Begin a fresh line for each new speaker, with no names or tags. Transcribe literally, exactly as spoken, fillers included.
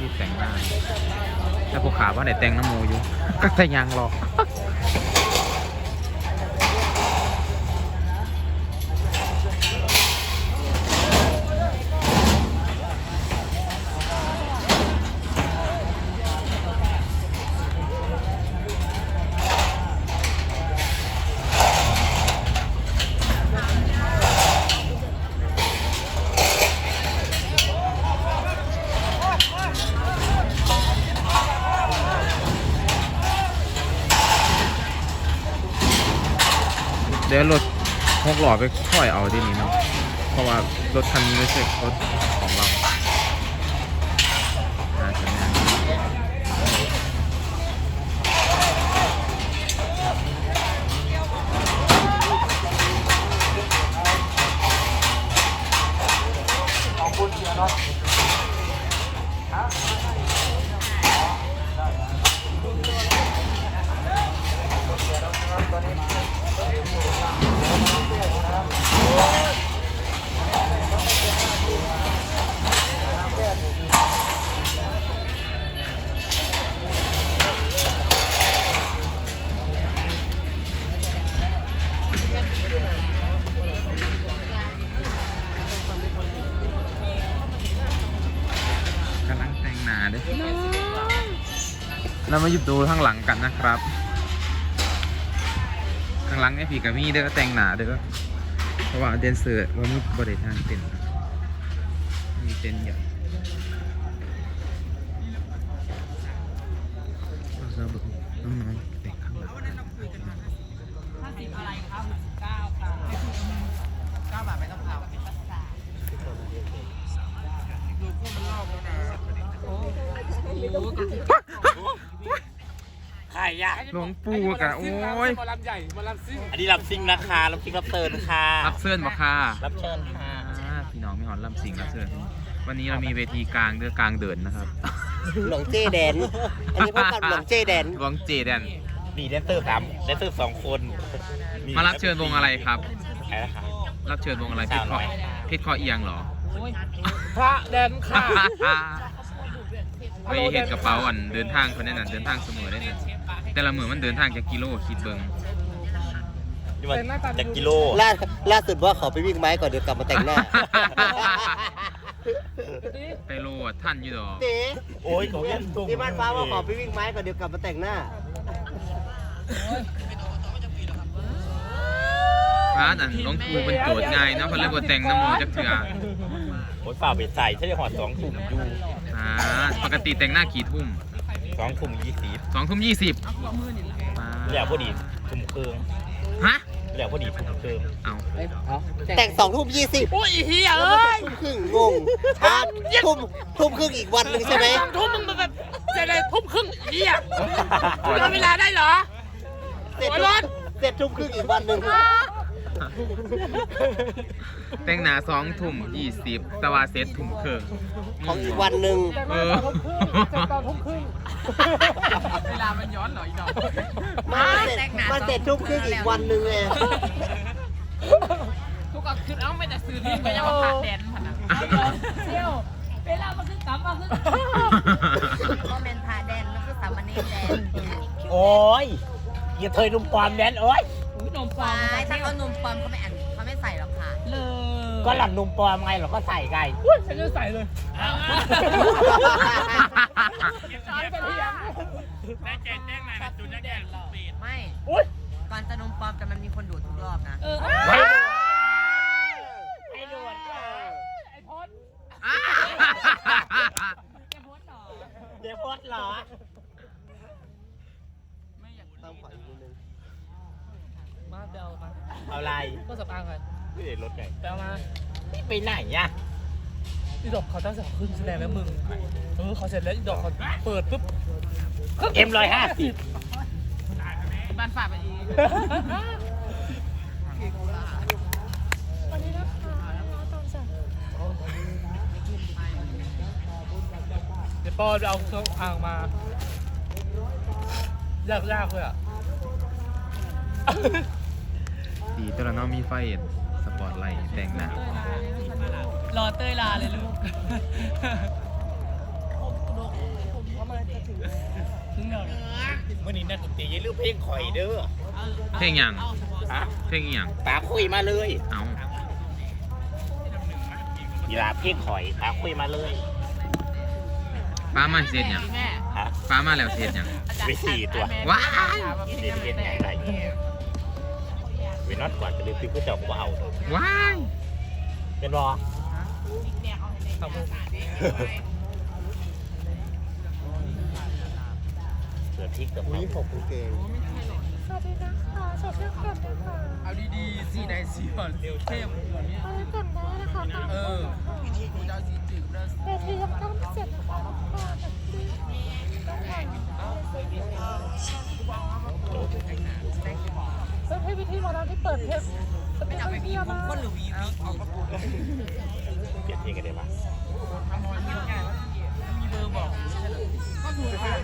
รีบแต่งหน้าแล้วพวกขาว่าไหนแต่งน้ำมูอยู่ก็แต่ยังหรอกเดี๋ยวรถหกหล่อไปค่อยเอาที่นี่เนาะเพราะว่ารถคันนี้ไม่ใช่รถของเราน่าจะแน่ของคุณเชียร์เนาะกำลังแต่งหน้าด้วยเรามาหยุดดูข้างหลังกันนะครับข้างหลังไอ้ผีกับมี่เด้อแต่งหน้าเด้อเพราะว่าเดนเซอร์ว่ามีบริษัทเต้นมีเต้นเยอะเราแบบน้องๆแต่งข้างหลัง
ห้าสิบอะไรครับเก้าค่ะเก้าบาทไม่ต้องเผาเป็นภาษาดูพวกมันรอบแล้วนะโอ้โหขายยา
หลวงปู่กะโอ้ย
มาลำใหญ่มาลำซิ่ง
อันนี้รับซิงนะคะรับซิงรับเติร์นค่ะ
รับเชิญบ่ค่ะ
รับเชิญค่ะ
พี่น้องมีหอนลำสิงรับเชิญวันนี้เรามีเวทีกลางเดือกลางเดินนะครับ
หลวงเจแดนอันนี้พบกับหลวงเจแดน
หลวงเจแดน
มีแดนเซอร์สามแดนเซอร์สองคน
มารับเชิญวงอะไรครับ
ใช่ค่ะ
รับเชิญวงอะไรเพชรคอเพชรคอเอียงเหรอ
พระแดนค่ะ
ไปเห็นกระเป๋าอันเดินทางคนนั้นเดินทางเสมอได้เนี่ยแต่ละมือมันเดินทางจากกิโลคิดเบิ้ง
จากกิโลล่าล่าสุดว่าเขาไปวิ่งไม้ก่อนเดี๋ยวกลับมาแต่งหน้า
ไปโลท่านอยู่ดอก
โอ้ยของยันตุ้งที่บ้านฟ้าว่าขอไปวิ่งไม้ก่อนเดี๋ยวกลับมาแต่งหน้า
พระอันหลวงปู่เป็นโจทย์ง่ายนะเพราะเลยบทแต่งน้ำมูจักเถื่อ
โอ้ยฝ่าไปใส่ใช่ไหมหอดสองทุ่มอยู่
อ่าปกติแต่งหน้ากี่ทุ่ม
สองทุ่มยี่สิบ
สองทุ่มยี่สิบ
แล้วพอดีทุ่มครึ่ง
ฮะ
แล้วพอดีทุ่มครึ่ง
เอา
แต่งสองทุ่มยี่สิบ
โอ้ยเฮียเอ้ย
ครึ่งงงช้าทุ่มทุ่มครึ่งอีกวันหนึ่งใช่ไหม
ทุ่มมึงแบบจะได้ทุ่มครึ่งเฮียทำเวลาได้เหรอ
เสร็จเสร็จทุ่มครึ่งอีกวันหนึ่ง
แต่งหน้าสองทุ่มยี่สิบตะวันเสร็จทุ่มครึ่ง
ของอีกวันหนึ่ง
เออ
ตอนทุ่มครึ่งเวลามันย้อนเหรออีดอก
มันเสร็จทุ่มครึ่งอีกวันหนึ่งไง
ทุกคนคือเอาไม่แต่สื่อนี่ไม่ยังมาผ่านแดนผ่านนะเที่ยวเวลามันคือกลับมาคือ
ก็เป็นพาแดนมันคือสามเณรแดน
โอ้ยอย่าเทยนุ่มปลอมแดนโอ้ย
นมปลอมถ้าเขานมปลอมเขาไม่อ่านเขาไม่ใส่หรอกค่ะ
เลยก็หลังนุ่มปลอมไงเราก็ใส่ไง
ฉันจะใส่เลยแม่เจนแจ้งมาจุดแจ้ง
ไม่ก่อนจะนมปลอมแต่มันมีคนดูดทุกรอบนะ
ไอ้ดูด
ไอ้พด
เดี๋ยวพดเหรอ
ไม่อยาก
ต้องปล่อยนิดนึง
มาเดามา
เอาอะไร
ก็สับอ้างกัน
ไม่ได้รถไง
แปลมา
นี่ไปไหนอ่ะ
อีดอกเขาตั้งสองครึ่งแสดงแล้วมึงเออเขาเสร็จแล้วอีดอกเขาเปิดปุ๊บ
เอ็มร้อยห้าสิบ
บ้านฝากไปอีกวันนี้นะคะตอนสั่งเดี๋ยวปอจะเอาเครื่องอ่างมายากยากเลยอ่ะ
ดีตัวน้องมีไฟสปอร์ตไลท์แต่งหน้าร
อเต้ยลาเลยลูก
เมื่อนี้นักดนตรีอย่าลืมเพลงข่อยเด้อ
เพลงหยัง
ฮะ
เพลงหยัง
ป๋าคุยมาเลย
เอา
กีฬาเพลงข่อยป๋าคุยมาเลย
ป้ามาเสร็จหยัง
แม่
ฮะ
ป้ามาแล้วเสร็จหยัง
ไปสี่ตัว
ว้าย
เด็ดเด็ดใหญ่ไรเวนอตก่อนจะลืมซื้อผู้เจ้าก็เอา
ว้าย
เป็นบอเสือพริกกับนี้ผมเก่ง
เอาดีๆสีไหนสีอ่อนเข้มเออกูจะเอาสีจืดแล้ว
เวทียังต้องเสร็จนะคะต้องผ่านต้องให้วิธีหมอลำที่เปิดเพลงจะ
ไม่
เป็น
เอาไป
เพื่
มี
อน
ผม
มา
ก้นหรือวีวีเอาประกวด
เปลี่ยนเพลงกันได้ปะ
ทำน้อยเยอะแก่แล้วมีเบอร์บอกก็ถูก